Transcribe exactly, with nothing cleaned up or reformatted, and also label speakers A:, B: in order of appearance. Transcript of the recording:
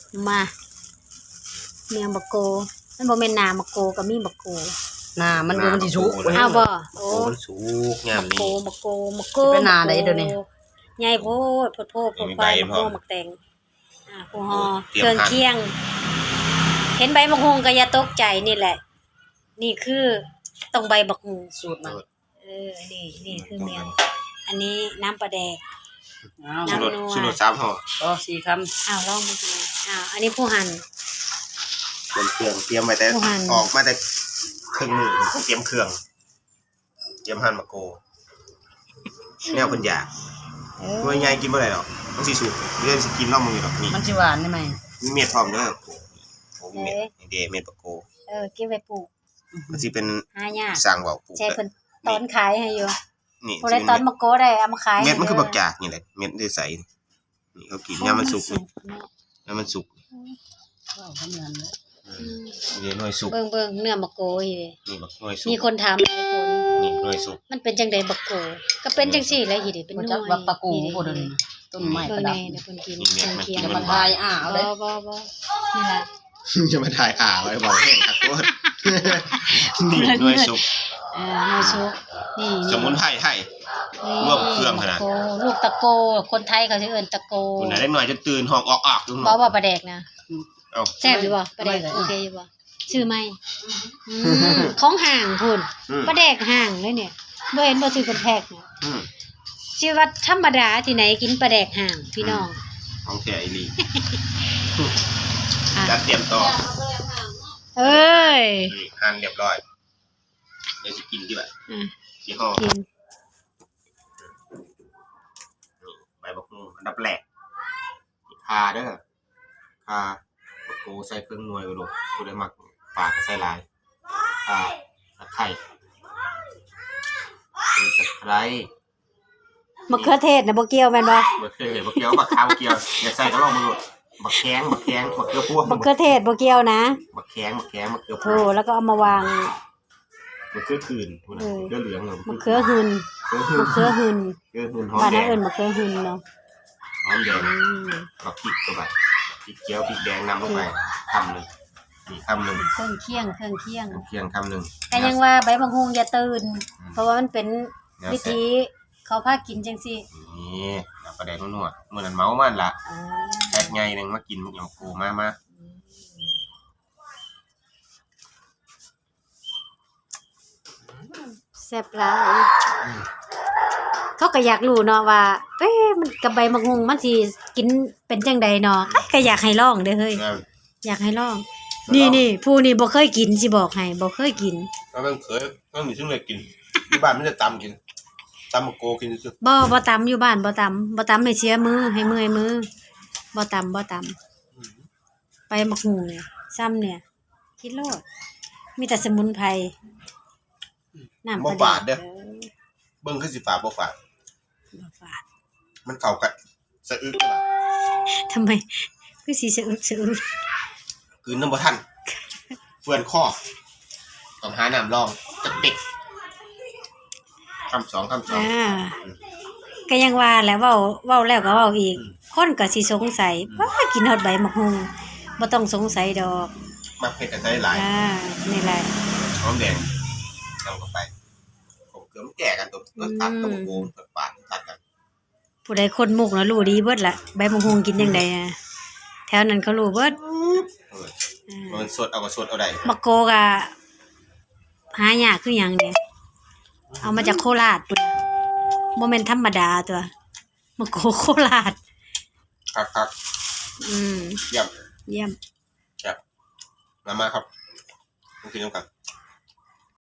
A: มาเมียงบักโกมันบ่แม่นนาบักโกก็มีบักโก
B: นามันบ่มันสิสุก
A: อ้าวบ่
C: โอ้มันสุกยามนี้
A: บักโกบักโก
B: เป็นนาได้เดี๋ยวนี้
A: ใหญ่โพดโพดโพดโพดไปบักโกบักแตงอ่าผู้ฮอเครื่องเคียงเห็นใบบักฮุงก็อย่าตกใจนี่แหละนี่คือต้องใบบักฮุง
B: สูตรมัน
A: เออนี่นี่คือเมียงอันนี้น้ำปลาแดก
C: น้ำนัวสุดสามห่อ
B: ก็สี่คำ
A: อ้าวลองมาดูอ้าวอันนี้ผู้หั่น
C: เตรียมเครื่องเตรียมไว้แต่ออกมาแต่ครึ่งมือเตรียมเครื่องเตรียมหั่นมะโกแนวคนอยากหน่วยใหญ่กินบ่ได้หรอกมันสิสุกเรื่องสิกินน้องมึงอยู่ดอกนี่
B: มันสิหวานได้ไหม
C: มีเม็ดพร้อมเด้อโอ้มีเม็ดเดเม็ดมะโก
A: เออเก็บไว้ปลูก
C: มันสิเป็น
A: หายาก
C: สร้างเว้าปลูก
A: ใช่เพิ่นตอนขายให้อยู่
C: นี่
A: บ่ได้ตอนมะโกได้เอามาขาย
C: เม็ดมันคือบักจากนี่แหละเม็ดได้ใสนี่เขากินยามมันสุกยามมันสุก
B: ว้าวทำงานเลย
C: นี่หน่วยสุก
A: เบิ่งเบิ่งเนื้อมะโกอยู่
C: นี่บักหน่วยสุก
A: มีคนถามหลายคน
C: นี่หน่วยสุก
A: มันเป็นจังได๋บักโกก็เป็นจังซี่แหละอีดิเป็นหน่วย
B: จักว่าปะกูบ่ได้ต้นไม้ประดับ
A: เดี๋ยวเพิ่นกินเคียง
B: จะมาทายอ้าวเด้
A: บ่บ่บ่นี่ล่ะ
C: จะมาถ่ายอ่าไว้บอกแห้งครับโคตรนี่หน่วยสุก
A: เออหน่วยสุกนี่
C: สมุนไพรไทยรวมเครื่องขนาด
A: ลูกตะโกคนไทยเขาสิเอิ้นตะโก
C: คนไหนเล็กน้อยจะตื่นห้องออกๆดูหน่
A: อย
C: บ่
A: บ่ปลาแดกนะ
C: เอ้า
A: แซ่บอยู่บ่ปลาแดกโอเคอยู่บ่ชื่อไหมอืมของห่างพุ่นปลาแดกห่างเลยเนี่ยบ่เห็นบ่ซื้อเป็นแพ็คเนี่ย
C: อืม
A: ชีวิตธรรมดาที่ไหนกินปลาแดกห่างพี่น้อง
C: ของแท้อีหลีจัดเตรียมต่อ
A: เอ้ย
C: หั่นเรียบร้อยเดี๋ยวสิกินดีกว่า
A: อือ
C: สิห่อ
A: กิน
C: ใบบักฮู้อันดับแรกข่าเด้อข่าบักโกใส่เครื่องหน่วยบ่ลูกผู้ใดมักปลาก็ใส่หลายข่าตะไคร้ตะไคร้
A: มะเขือเทศน่ะบ่เกี่ยวแม่นบ่
C: บ่เคยเห็นบ่เกี่ยวบักขาวบ่เกี่ยวอย่าใส่ก็ลองมึงลูกบักแข้งบักแข้งบักเกลือพวง
A: มะเขือเทศบ่เกี่ยวนะ
C: บักแข้งบักแข้งบักเกลือพว
A: งโธ่แล้วก็เอามาวาง
C: มะเขือคืนพุ่นน่ะเกลือเหลืองม
A: ะเขือหึนมะเขือหึน
C: เกลือหืนหอม
A: บ้าน
C: แดง
A: เอิ้นมะเขือหึนเนาะ
C: หอมแดงบักพริกเข้าไปพริกเจียวพริกแดงนำลงไปคำนึงนี่คำนึง
A: เครื่องเคียงเครื่องเคียง
C: เคียงคำนึง
A: ก็ยังว่าใบบักฮุงอย่าตื่นเพราะว่ามันเป็นวิธีเขาพากินจังซี่
C: นี่เอาปลาแดกนัวๆมื้อนั้นเมามันล่ะแพ็คใหญ่นึงมากินอย่างกูมามา
A: แซ่บหลายเขาก็อยากรู้เนาะว่าเอ๊ะมันกับใบบักฮุงมันสิกินเป็นจังใดเนาะก็อยากให้ลองเด้อเฮ้ยอยากให้ลองนี่ๆผู้นี่บ่เคยกินสิบอกให้บ่เคยกิน
C: แล้วมันเคยมันมีซึ่งเลยกินที่บ้านมันจะตำกินตำมะโกกินซื่อ
A: บ่บ่ตำอยู่บ้านบ่ตำบ่ตำให้เสียมือให้เมื่อยมือบ่ตำบ่ตำไปบักฮุงเนี่ยซ้ำเนี่ยคิดโลดมีแต่สมุนไพรน้ำ
C: บ่ฝาดเด้อเบิ่งคือสิฝาดบ่ฝาด
A: บ่ฝาด
C: มันเข้ากันสะอึกล่ะ
A: ทำไมคือสิสะอึกสะอึก
C: คืนน้ำบ่ทันเฟื่อนคอต้องหาน้ำรองจักเด็กคำสองคำสอง
A: อ่าก็ยังว่าแหละเว้าเว้าแล้วก็เว้าอีกคนก็สิสงสัยว่ากินฮอดใบบักฮุงบ่ต้องสงสัยดอก
C: มักเผ็ดก็ใส่หลาย
A: อ่านี่แหละ
C: หอมแดงนำเข้าไปผมเกลือมันแก่กันตัวตัดกับมะโกตัดปาดตัดกัน
A: ผู้ใดคนมุกเนาะรู้ดีเบิดล่ะใบบักฮุงกินจังได๋แถวนั้นเขารู้เบิด
C: เออมันสดเอาก็สดเอาได้
A: มะโกก็หายากคือหยังเนี่ยเอามาจากโคราชพุ่นบ่แม่นธรรมดาตัวมะโกโคราช
C: ครับๆอืมเยี่ยม
A: เยี่ยม
C: ครับมามาครับกินกัน